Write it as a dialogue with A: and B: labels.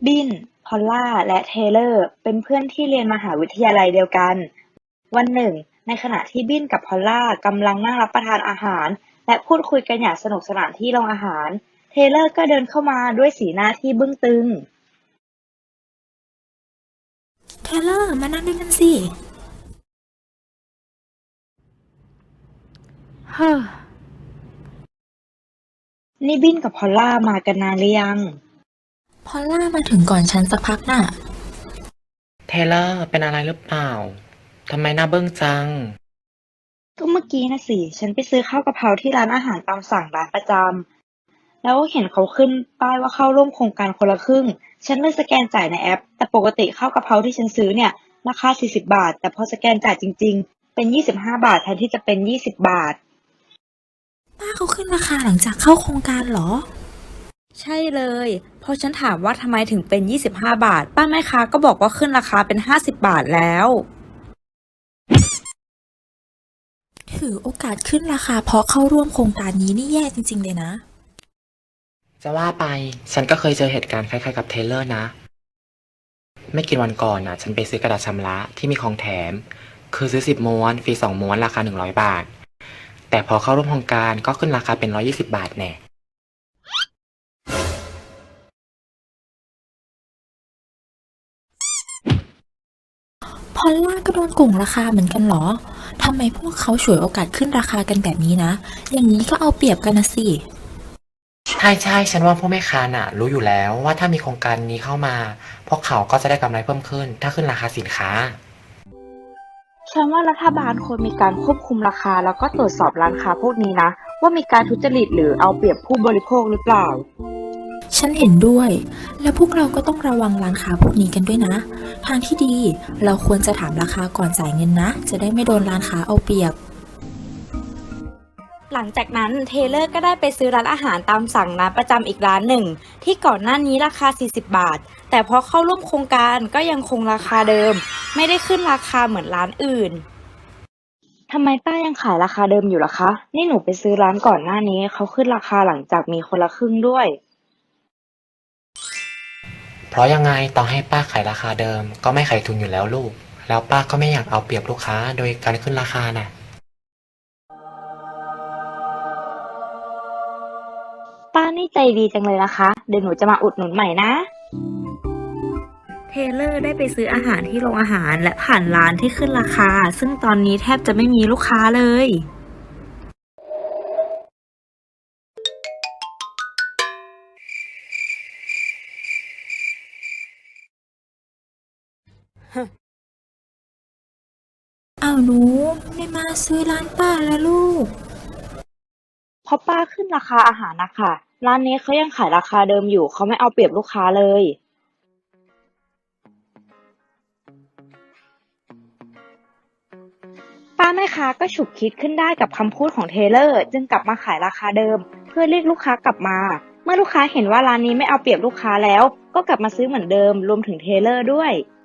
A: บิน พอลล่า และเทย์เลอร์เป็นเพื่อนที่เรียนมหาวิทยาลัยเดียวกัน วันหนึ่ง ในขณะที่บินกับพอลล่ากำลังนั่งรับประทานอาหารและพูดคุยกันอย่างสนุกสนานที่โรงอาหาร เทย์เลอร์ก็เดินเข้ามาด้วยสีหน้าที่บึ้งตึง
B: เทเลอร์มานั่งด้วยกันสิ
C: เฮ้อ
A: นี่บินกับพอลล่ามากันนานหรือยัง
B: พอลล่ามาถึงก่อนฉันสักพักน่ะ
C: เทเลอร์เป็นอะไรหรือเปล่า ทำไมหน้าเบิ้งจัง
A: ก็เมื่อกี้นะสิ ฉันไปซื้อข้าวกะเพราที่ร้านอาหารตามสั่งร้านประจำ แล้วเห็นเขาขึ้นป้ายว่าเข้าร่วมโครงการคนละครึ่ง ฉันเลยสแกนจ่ายในแอป แต่ปกติข้าวกะเพราที่ฉันซื้อเนี่ยราคา40 บาท แต่พอสแกนจ่ายจริงๆ เป็น25 บาทแทนที่จะเป็น20 บาท
B: ป้าเขาขึ้นราคาหลังจากเข้าโครงการเหรอ
D: ใช่เลย เพราะฉันถามว่าทำไมถึงเป็น25 บาท ป้าแม่ค้าก็บอกว่าขึ้นราคาเป็น50 บาทแล้ว
B: ถือโอกาสขึ้นราคาเพราะเข้าร่วมโครงการนี้นี่แย่จริงๆเลยนะ
C: จะว่าไป ฉันก็เคยเจอเหตุการณ์คล้ายๆกับเทเลอร์นะ ไม่กี่วันก่อนน่ะ ฉันไปซื้อกระดาษชำระที่มีของแถม คือซื้อ10 ม้วน ฟรี2 ม้วนราคา100 บาท แต่พอเข้าร่วมโครงการก็ขึ้นราคาเป็น120 บาทแน่
B: พอลล่าก็โดนโกงราคาเหมือนกันเหรอ ทำไมพวกเขาฉวยโอกาสขึ้นราคากันแบบนี้นะ อย่างนี้ก็เอาเปรียบกันนะสิ
C: ใช่ ฉันว่าพวกแม่ค้าน่ะ รู้อยู่แล้วว่าถ้ามีโครงการนี้เข้ามา พวกเขาก็จะได้กำไรเพิ่มขึ้น ถ้าขึ้นราคาสินค้า
A: ฉันว่ารัฐบาลควรมีการควบคุมราคาแล้วก็ตรวจสอบร้านค้าพวกนี้นะ ว่ามีการทุจริตหรือเอาเปรียบผู้บริโภคหรือเปล่า
B: ฉันเห็นด้วย และพวกเราก็ต้องระวังร้านค้าพวกนี้กันด้วยนะ ทางที่ดีเราควรจะถามราคาก่อนจ่ายเงินนะ จะได้ไม่โดนร้านค้าเอาเปรียบ
D: หลังจากนั้นเทเลอร์ก็ได้ไปซื้อร้านอาหารตามสั่งร้านประจำอีกร้านหนึ่ง ที่ก่อนหน้านี้ราคา40 บาท แต่พอเข้าร่วมโครงการก็ยังคงราคาเดิม ไม่ได้ขึ้นราคาเหมือนร้านอื่น
A: ทำไมป้ายังขายราคาเดิมอยู่ล่ะคะ นี่หนูไปซื้อร้านก่อนหน้านี้เขาขึ้นราคาหลังจากมีคนละครึ่งด้วย
C: เพราะยังไงต่อให้ป้าขายราคาเดิมก็ไม่ขายทุนอยู่แล้วลูก แล้วป้าก็ไม่อยากเอาเปรียบลูกค้าโดยการขึ้นราคาน่ะ
A: ป้านี่ใจดีจังเลยนะคะ เดี๋ยวหนูจะมาอุดหนุนใหม่นะ
D: เทเลอร์ได้ไปซื้ออาหารที่โรงอาหารและผ่านร้านที่ขึ้นราคา ซึ่งตอนนี้แทบจะไม่มีลูกค้าเลย
B: อ้าวหนูไม่มาซื้อร้านป้าแล้วลูก
A: เพราะป้าขึ้นราคาอาหารนะคะร้านนี้เขายังขายราคาเดิมอยู่เขาไม่เอาเปรียบลูกค้าเลย ป้าแม่ค้าก็ฉุกคิดขึ้นได้กับคำพูดของเทเลอร์จึงกลับมาขายราคาเดิมเพื่อเรียกลูกค้ากลับมา เมื่อลูกค้าเห็นว่าร้านนี้ไม่เอาเปรียบลูกค้าแล้วก็กลับมาซื้อเหมือนเดิมรวมถึงเทเลอร์ด้วย